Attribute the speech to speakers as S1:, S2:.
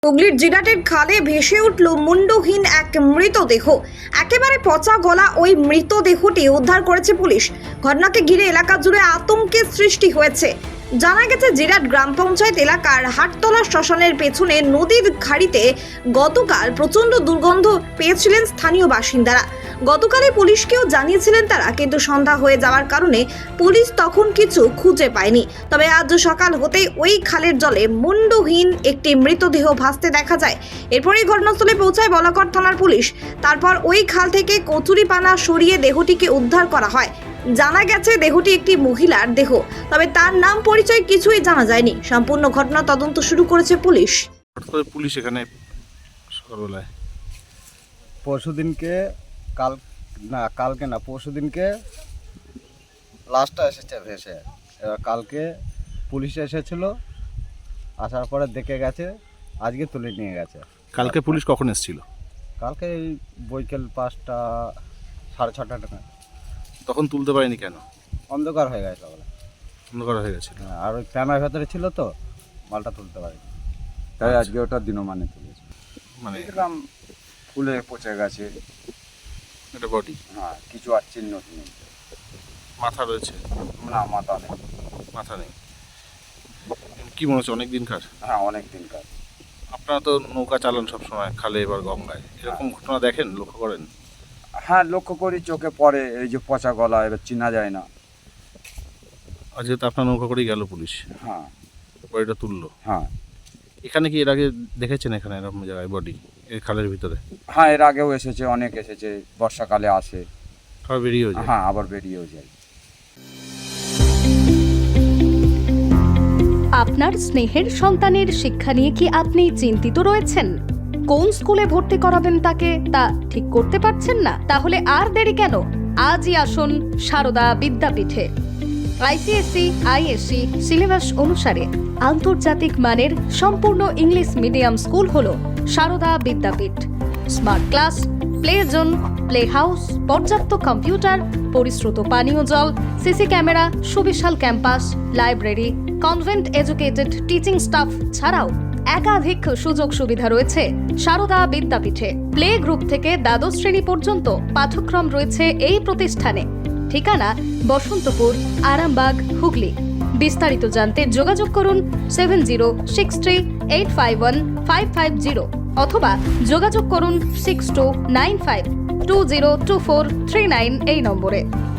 S1: হুগলির জিরাটের খালে ভেসে উঠল মুন্ডহীন এক মৃতদেহ। একেবারে পচা গলা ওই মৃতদেহটি উদ্ধার করেছে পুলিশ। ঘটনাকে ঘিরে এলাকা জুড়ে আতঙ্কের সৃষ্টি হয়েছে। জানা গেছে জিরাট গ্রাম পঞ্চায়েত এলাকার হাটতলা শ্মশানের পেছনে নদীর খাড়িতে গতকাল প্রচণ্ড দুর্গন্ধ পেয়েছিলেন স্থানীয় বাসিন্দারা। গতকালই পুলিশকেও জানিয়েছিলেন তারা, কিন্তু সন্ধ্যা হয়ে যাওয়ার কারণে পুলিশ তখন কিছু খুঁজে পায়নি। তবে আজ সকাল হতেই ওই খালের জলে মুন্ডহীন একটি মৃতদেহ ভাসতে দেখা যায়। এরপরই ঘটনাস্থলে পৌঁছায় বলাকর থানার পুলিশ। তারপর ওই খাল থেকে কচুরিপানা সরিয়ে দেহটিকে উদ্ধার করা হয়। জানা গেছে দেহটি একটি মহিলার দেহ, তবে তার নাম পরিচয় কিছুই জানা যায়নি। সম্পূর্ণ ঘটনা তদন্ত শুরু করেছে পুলিশ।
S2: পুলিশ এখানে সকালবেলায়
S3: পরশুদিনকে লাশটা এসেছে ভেসে। এবার কালকে পুলিশ এসেছিল, আসার পরে দেখে গেছে, আজকে তুলে নিয়ে গেছে।
S2: কালকে পুলিশ কখন এসেছিল?
S3: কালকে এই বৈকাল 5টা 6:30 টাকা।
S2: তখন তুলতে পারেনি কেন?
S3: অন্ধকার হয়ে গেছে বলে।
S2: অন্ধকার হয়ে গেছিল।
S3: আর ওই প্যানার ভেতরে ছিল তো, মালটা তুলতে পারেনি, তাই আজকে ওটা দিনমানে তুলেছে।
S2: মানে
S3: দেখলাম ফুলে পচে গেছে।
S2: এটা বডি?
S3: হ্যাঁ, কিছু আর চিহ্ন নেই।
S2: মাথা রয়েছে?
S3: না, মাথা নেই।
S2: মাথা নেই। কি মনে হচ্ছে অনেক দিনকার?
S3: হ্যাঁ, অনেক দিনকার।
S2: আপনারা তো নৌকা চালান সব সময় খালে, এবার গঙ্গায়, এরকম ঘটনা দেখেন, লক্ষ্য করেন?
S3: হ্যাঁ, লক্ষ্য করি, চোখে পড়ে। এই যে পচা গলা, এবার চেনা যায় না।
S2: আর যেহেতু আপনার নৌকা করেই গেল পুলিশ,
S3: হ্যাঁ
S2: বডিটা তুললো।
S3: হ্যাঁ
S2: এখানে কি এর আগে দেখেছেন এখানে এরকম জায়গায় বডি, এই খালের ভিতরে?
S3: হ্যাঁ, এর আগেও এসেছে, অনেক এসেছে। বর্ষাকালে আসে,
S2: সবাই বেরিয়েও যায়।
S3: হ্যাঁ, আবার বেরিয়েও যায়।
S4: আপনার স্নেহের সন্তানের শিক্ষা নিয়ে কি আপনি চিন্তিত রয়েছেন? কোন স্কুলে ভর্তি করাবেন তাকে তা ঠিক করতে পারছেন না? তাহলে আর দেরি কেন? আজই আসুন সারদা বিদ্যাপীঠে। আইসিএসসি আইএসসি সিলেবাস অনুসারে আন্তর্জাতিক মানের সম্পূর্ণ ইংলিশ মিডিয়াম স্কুল হলো Sarada Vidyapith. Smart class, play zone, play house, পর্যাপ্ত কম্পিউটার, পরিশ্রুত পানীয় জল, সিসি ক্যামেরা, সুবিশাল campus, library, convent educated teaching staff ছাড়াও একাধিক সুযোগ সুবিধা রয়েছে সারদা বিদ্যাপীঠে। প্লে গ্রুপ থেকে দ্বাদশ শ্রেণী পর্যন্ত পাঠ্যক্রম রয়েছে এই প্রতিষ্ঠানে। ঠিকানা বসন্তপুর, আরামবাগ, হুগলি। বিস্তারিত জানতে যোগাযোগ করুন 7063851550 অথবা যোগাযোগ করুন 6295202439 এই নম্বরে।